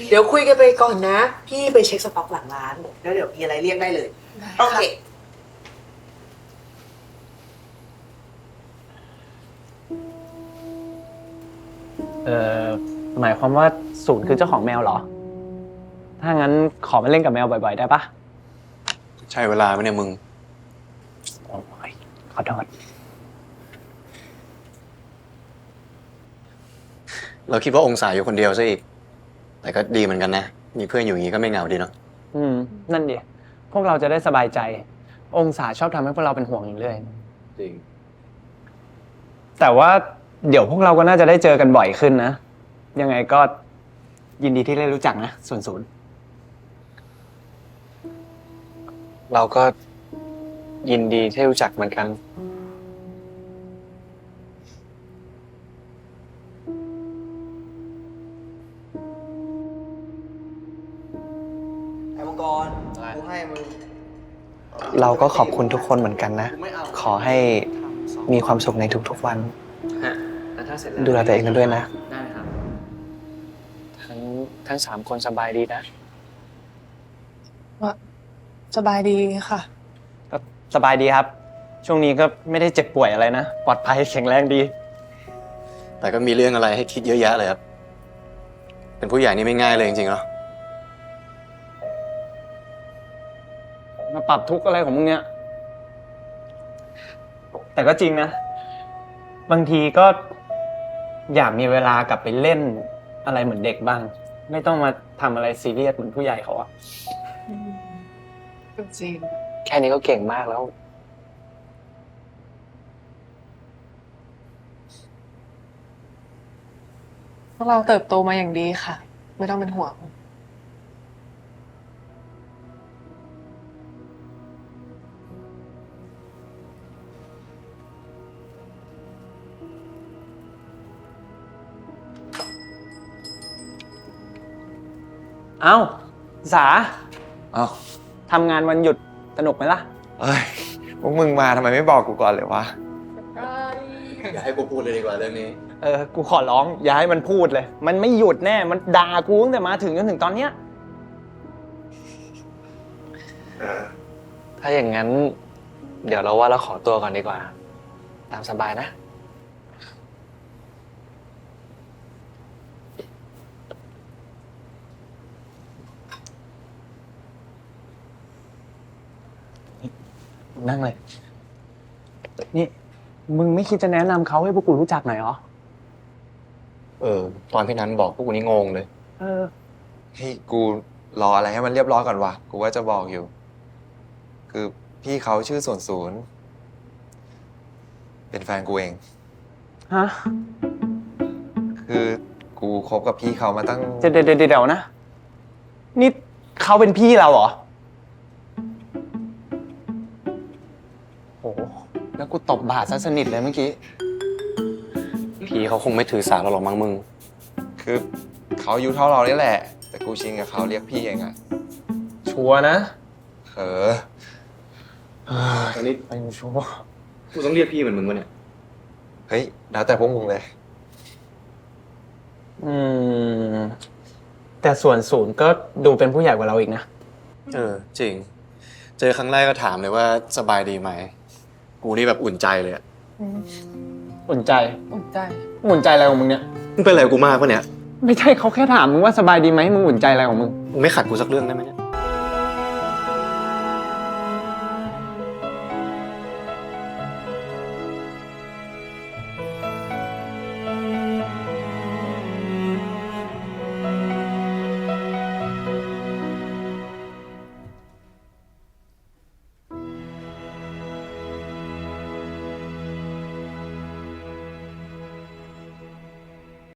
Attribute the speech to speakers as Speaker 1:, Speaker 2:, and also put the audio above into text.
Speaker 1: เดี๋ยวคุยกันไปก่อนนะ พี่ไปเช็คสต็อกหลังร้านแล้วเดี๋ยวมีอะไรเรียกได้เลย โอเค
Speaker 2: เออหมายความว่าศูนย์คือเจ้าของแมวเหรอ ถ้างั้นขอมาเล่นกับแมวบ่อยๆได้ปะ
Speaker 3: ใช่เวลาไหมเนี่ยมึง
Speaker 2: โอ้ยขอโทษ
Speaker 3: เราคิดว่าองศาอยู่คนเดียวซะอีก แต่ก็ดีเหมือนกันนะ มีเพื่อนอยู่อย่างนี้ก็ไม่เหงาดีเนาะ
Speaker 2: นั่นดิพวกเราจะได้สบายใจ องศาชอบทำให้พวกเราเป็นห่วงอยู่เรื่อย
Speaker 3: จริง
Speaker 2: แต่ว่าเดี๋ยวพวกเราก็น่าจะได้เจอกันบ่อยขึ้นนะ ยังไงก็ยินดีที่ได้รู้จักนะส่วนศูนย์
Speaker 4: เราก็ยินดีที่รู้จักเหมือนกัน
Speaker 3: ไอ้มังกรกูให้มึง
Speaker 4: เราก็ขอบคุณทุกคนเหมือนกันนะ ขอให้มีความสุขในทุกๆวัน
Speaker 2: แล้วถ้าเสร็จแล้ว
Speaker 4: ดูแลตัวเองกันด้วยนะ
Speaker 2: ได้ครับ
Speaker 4: ทั้ง3 คนสบายดีนะ
Speaker 5: สบายดีค่ะ
Speaker 2: ก็สบายดีครับ ช่วงนี้ก็ไม่ได้เจ็บป่วยอะไรนะ ปลอดภัยแข็งแรงดี
Speaker 3: แต่ก็มีเรื่องอะไรให้คิดเยอะแยะเลยครับ เป็นผู้ใหญ่นี่ไม่ง่ายเลยจริงๆเนาะ
Speaker 2: มาปรับทุกข์อะไรของมึงเนี่ย แต่ก็จริงนะ บางทีก็อยากมีเวลากลับไปเล่นอะไรเหมือนเด็กบ้าง ไม่ต้องมาทำอะไรซีเรียสเหมือนผู้ใหญ่เขาอะ
Speaker 5: จริง
Speaker 4: แค่นี้ก็เก่งมากแล้ว
Speaker 5: พวกเราเติบโตมาอย่างดีค่ะ ไม่ต้องเป็นห่วง
Speaker 2: เอ้า สา
Speaker 6: เอ้า
Speaker 2: ทำงานวันหยุดสนุกไหมล่ะ
Speaker 6: เอ้ยพวกมึงมาทำไมไม่บอกกูก่อนเลยวะ
Speaker 3: อย่าให้กูพูดเลยดีกว่าเรื่องนี้
Speaker 2: กูขอร้อง อย่าให้มันพูดเลย มันไม่หยุดแน่ มันด่ากูตั้งแต่มาถึงจนถึงตอนเนี้ย
Speaker 4: ถ้าอย่างนั้น เดี๋ยวเราว่าเราขอตัวก่อนดีกว่า ตามสบายนะ
Speaker 2: นั่งเลย นี่ มึงไม่คิดจะแนะนำเขาให้พวกกูรู้จักหน่อยเหรอ
Speaker 3: ตอนพี่นั้นบอกพวกกูนี่งงเลย
Speaker 2: เออ
Speaker 6: เฮ้ยกูรออะไรให้มันเรียบร้อยก่อนวะ กูว่าจะบอกอยู่ คือพี่เขาชื่อ00เป็นแฟนกูเอง
Speaker 2: ฮะ
Speaker 6: คือกูคบกับพี่เขามาตั้ง
Speaker 2: เดี๋ยวนะ นี่เขาเป็นพี่เราเหรอ โห แล้วกูตบบาดซะสนิทเลยเมื่อกี้
Speaker 3: พี่เขาคงไม่ถือสาเราหรอกมั้งมึง
Speaker 6: คือเขาอายุเท่าเรานี่แหละ แต่กูชินกับเขาเรียกพี่เองอะ
Speaker 2: ชัวร์นะ
Speaker 6: เออ
Speaker 3: ตอนนี้
Speaker 2: ไปชัวร์
Speaker 3: กูต้องเรียกพี่เหมือนมึงวะเนี่ย
Speaker 6: เฮ้ย แล้วแต่พวกมึงเลย
Speaker 2: แต่ส่วนศูนย์ก็ดูเป็นผู้ใหญ่กว่าเราอีกนะ
Speaker 3: จริง เจอครั้งแรกก็ถามเลยว่าสบายดีไหม กูนี่แบบอุ่นใจเลยอะ
Speaker 2: อุ่นใจ
Speaker 5: อุ่นใจ
Speaker 2: อุ่นใจอะไรของมึงเนี่ย
Speaker 3: มึงเป็นอะไรกับกูมากปะเนี่ย
Speaker 2: ไม่ใช่เขาแค่ถามมึงว่าสบายดีไหมมึงอุ่นใจอะไรของมึง
Speaker 3: มึงไม่ขัดกูสักเรื่องได้ไหมเนี่ย